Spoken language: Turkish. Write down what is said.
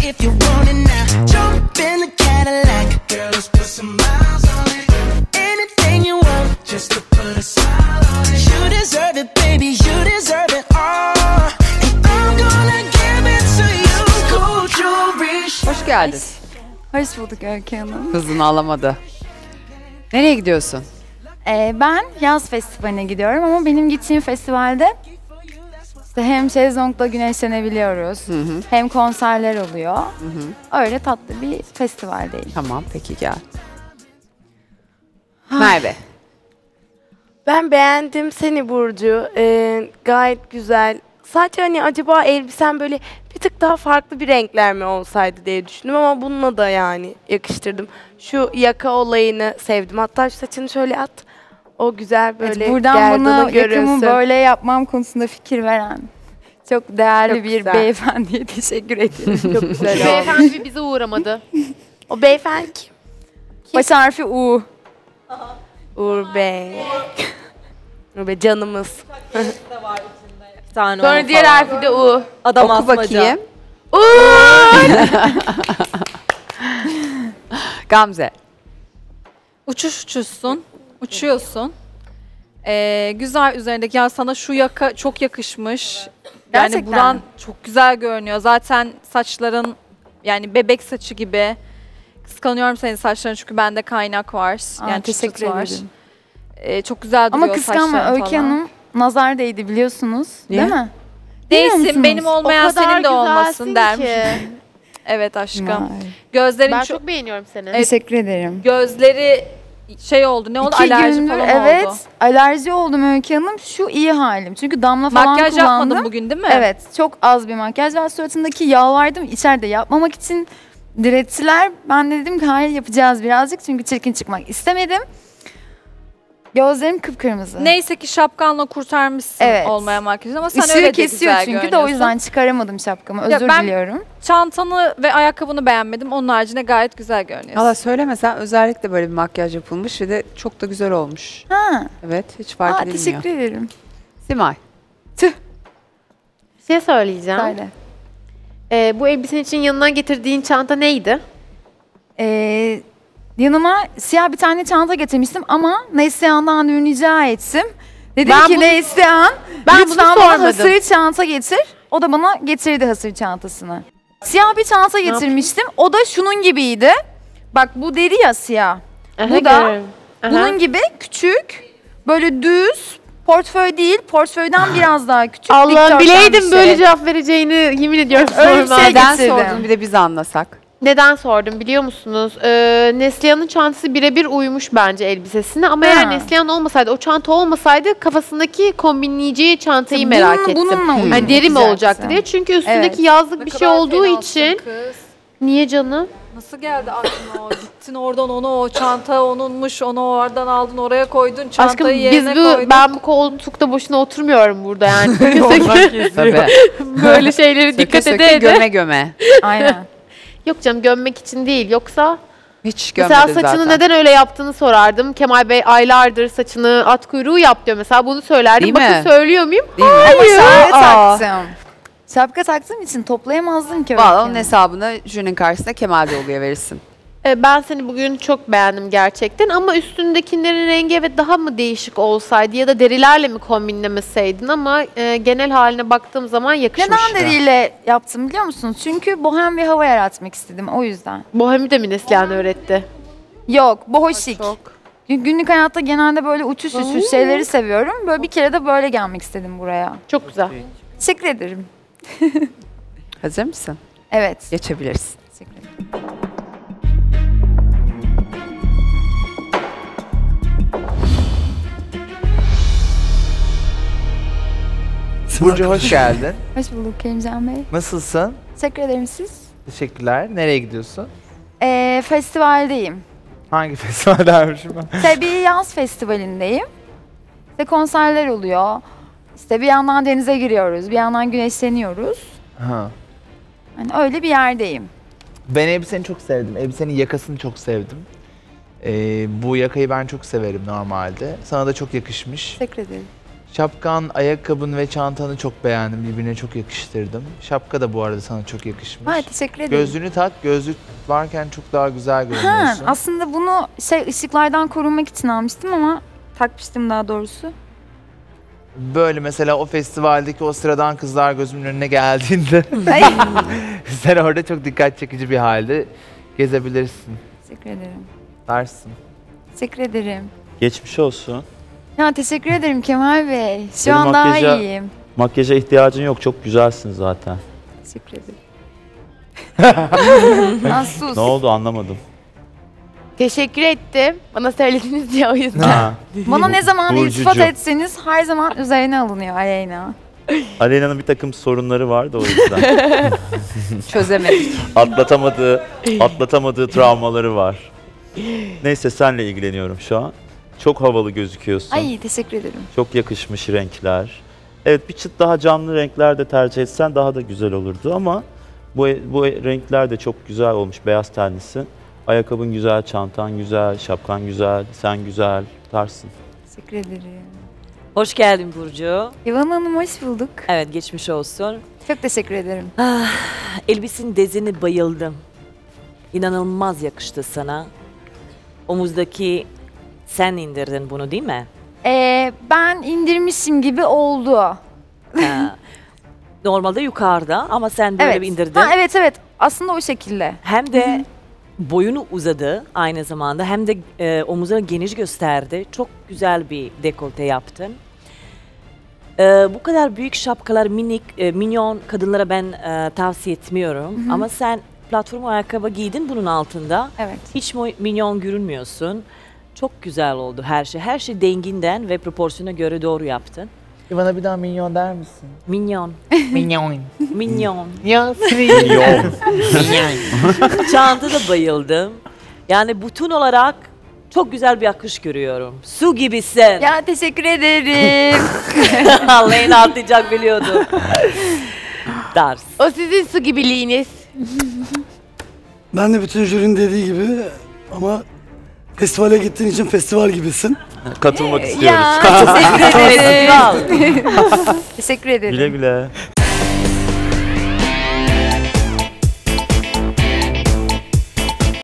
if you want it now. Jump in the Cadillac, girl, let's put some miles on it. Anything you want, just to put a smile on it. You deserve it, baby, you deserve it all. And I'm gonna give it to you. Gold jewelry. Hoş geldin. Hoş bulduk Öykü Hanım. Hızını alamadı. Nereye gidiyorsun? Ben yaz festivaline gidiyorum ama benim gittiğim festivalde işte hem şezlongda güneşlenebiliyoruz, hem konserler oluyor. Öyle tatlı bir festivaldeyim. Tamam, peki gel. Merve. Ben beğendim seni Burcu. Gayet güzel. Sadece hani acaba elbisen böyle bir tık daha farklı bir renkler mi olsaydı diye düşündüm ama bununla da yani yakıştırdım. Şu yaka olayını sevdim. Hatta şu saçını şöyle at. O güzel böyle Evet, buradan bana gerdanı yakamı görünsün. böyle yapmam konusunda fikir veren çok değerli Çok bir güzel. beyefendiye teşekkür ediyorum. Çok güzel oldu. Beyefendi bize uğramadı. O beyefendi kim? Baş harfi U. Uğur Bey. Uğur Bey canımız. Sonra Diğer harfi de U. Adam Oku bakayım. Gamze. Uçuşsun, uçuyorsun. Güzel üzerindeki, ya sana şu yaka çok yakışmış. Yani Gerçekten. buran çok güzel görünüyor. Zaten saçların yani bebek saçı gibi. Kıskanıyorum senin saçların çünkü bende kaynak var. Yani Teşekkür çıt çıt var. ederim. Çok güzel duruyor Ama kıskanma saçların Öykü falan. Hanım, nazar değdi biliyorsunuz. Niye? Değil mi? Biliyor Değilsin, musunuz? benim olmayan senin de olmasın dermiş. ki. Evet aşkım. Vay. Gözlerin Ben çok, çok beğeniyorum seni. Teşekkür ederim. gözleri şey oldu. Ne oldu? 2 Alerji gündür falan evet oldu. alerji oldum Öykü Hanım. Şu iyi halim. Çünkü damla falan Makyaj kullandım. yapmadın bugün değil mi? Evet, çok az bir makyaj var. Suratındaki yalvardım içeride yapmamak için direttiler. Ben de dedim ki hayır yapacağız birazcık çünkü çirkin çıkmak istemedim. Gözlerim kıpkırmızı. Neyse ki şapkanla kurtarmışsın Evet. olmayan makyajı ama sen Işığı öyle de kesiyor güzel çünkü de o görünüyorsun. yüzden çıkaramadım şapkamı. Ya Özür ben- diliyorum. Çantanı ve ayakkabını beğenmedim. Onun haricinde gayet güzel görünüyorsun. Valla söylemesen özellikle böyle bir makyaj yapılmış ve de çok da güzel olmuş. Ha. Evet, hiç fark edilmiyor. Teşekkür ederim. Simay. Bir şey söyleyeceğim. Söyle. Bu elbisen için yanına getirdiğin çanta neydi? Yanıma siyah bir tane çanta getirmiştim ama Neslihan'dan dün rica ettim. Dedim Ben ki bunu- Neslihan Ben bunu lütfen bana sormadım. hasır çanta getir. O da bana getirdi hasır çantasını. Siyah bir çanta getirmiştim. O da şunun gibiydi. Bak bu deri ya siyah. Bu da görüyorum. Aha. bunun gibi küçük, böyle düz, portföy değil, portföyden biraz daha küçük. Allah'ım dikdörtgen bileydim bir böyle şey. cevap vereceğini yemin ediyorum Öyle bir sorma. şey Neden getirdim. sordun bir de biz anlasak. Neden sordum biliyor musunuz? Neslihan'ın çantası birebir uymuş bence elbisesine ama Ha. eğer Neslihan olmasaydı, o çanta olmasaydı kafasındaki kombinleyeceği çantayı merak ettim. Bununla uyumlu Hani deri mi olacaktı yapacaksın. diye. Çünkü üstündeki Evet. yazlık Ne bir şey kadar olduğu fenasın için. kız. Niye canım? Nasıl geldi aklına o? Gittin oradan onu, o çanta onunmuş, onu oradan aldın oraya koydun, çantayı Aşkım yerine koydun. ben bu koltukta boşuna oturmuyorum burada yani. Tabii. Böyle şeylere Söke dikkat söke ede. göme göme. Aynen. Yok canım gömmek için değil. Yoksa Hiç gömedi mesela saçını zaten. neden öyle yaptığını sorardım. Kemal Bey aylardır saçını at kuyruğu yap diyor mesela. Bunu söylerdim. Değil Bakın mi? söylüyor muyum? Değil mi? Ama şapka Aa. taktım. Şapka taktığım için toplayamazdım ki. Valla Öykü onun Hanım. hesabını jürinin karşısında Kemal Doğulu'ya verirsin. Ben seni bugün çok beğendim gerçekten ama üstündekilerin rengi evet daha mı değişik olsaydı ya da derilerle mi kombinlemeseydin ama genel haline baktığım zaman yakışmıştı. Neden deriyle yaptım biliyor musunuz? Çünkü bohem bir hava yaratmak istedim o yüzden. Bohemi de mi Neslihan öğretti? Yok, bohoşik. Çok. Çünkü günlük hayatta genelde böyle uçuş şeyleri seviyorum. Böyle bir kere de böyle gelmek istedim buraya. Çok güzel. Teşekkür ederim. Hazır mısın? Evet. Geçebilirsin. Teşekkür ederim. Burcu hoş geldin. Hoş bulduk Kerimcan Bey. Nasılsın? Teşekkür ederim siz. Teşekkürler. Nereye gidiyorsun? Festivaldeyim. Hangi festivaldeymişim ben? İşte bir yaz festivalindeyim. İşte konserler oluyor. İşte bir yandan denize giriyoruz, bir yandan güneşleniyoruz. Ha. Hani öyle bir yerdeyim. Ben elbiseni çok sevdim. Elbisenin yakasını çok sevdim. Bu yakayı ben çok severim normalde. Sana da çok yakışmış. Teşekkür ederim. Şapkan, ayakkabın ve çantanı çok beğendim. Birbirine çok yakıştırdım. Şapka da bu arada sana çok yakışmış. Ay teşekkür ederim. Gözlüğünü tak. Gözlük varken çok daha güzel Ha, görünüyorsun. aslında bunu ışıklardan korunmak için almıştım ama takmıştım daha doğrusu. Böyle mesela o festivaldeki o sıradan kızlar gözümün önüne geldiğinde Ay. sen orada çok dikkat çekici bir halde gezebilirsin. Teşekkür ederim. Dersin. Teşekkür ederim. Geçmiş olsun. Ya teşekkür ederim Kemal Bey. Şu Benim an daha makyaja- iyiyim. Makyaja ihtiyacın yok. Çok güzelsin zaten. Teşekkür ederim. Lan sus. Ne oldu anlamadım. Teşekkür ettim. Bana söylediniz diye o yüzden. Ha. Bana ne zaman Burcucu. iltifat etseniz her zaman üzerine alınıyor Aleyna. Aleyna'nın bir takım sorunları var da o yüzden. Çözemedik. atlatamadığı travmaları var. Neyse senle ilgileniyorum şu an. Çok havalı gözüküyorsun. Ay teşekkür ederim. Çok yakışmış renkler. Evet bir çıt daha canlı renkler de tercih etsen daha da güzel olurdu ama bu renkler de çok güzel olmuş. Beyaz tenlisin. Ayakkabın güzel, çantan güzel, şapkan güzel, sen güzel, tarsın. Teşekkür ederim. Hoş geldin Burcu. İvan Hanım hoş bulduk. Evet geçmiş olsun. Çok teşekkür ederim. Elbisenin dezini bayıldım. İnanılmaz yakıştı sana. Omuzdaki sen indirdin bunu değil mi? Ben indirmişim gibi oldu. Ha. Normalde yukarıda ama sen böyle Evet. bir indirdin. Ha, evet. Aslında o şekilde. Hem de boyunu uzadı aynı zamanda hem de omuzları geniş gösterdi. Çok güzel bir dekolte yaptın. Bu kadar büyük şapkalar minyon kadınlara ben tavsiye etmiyorum. Ama sen platform ayakkabı giydin bunun altında. Evet. Hiç minyon görünmüyorsun. Çok güzel oldu her şey. Her şey denginden ve proporsiyona göre doğru yaptın. Bana bir daha minyon der misin? Minyon. Minyon. Minyon. Ya Yok. Çanta da bayıldım. Yani bütün olarak çok güzel bir akış görüyorum. Su gibisin. Ya teşekkür ederim. Leyla atlayacak biliyordum. Ders. O sizin su gibiliğiniz. Ben de bütün jürinin dediği gibi ama festivale gittiğin için festival gibisin. Katılmak istiyoruz. ya teşekkür ederim. Festival. Teşekkür ederim. Güle güle.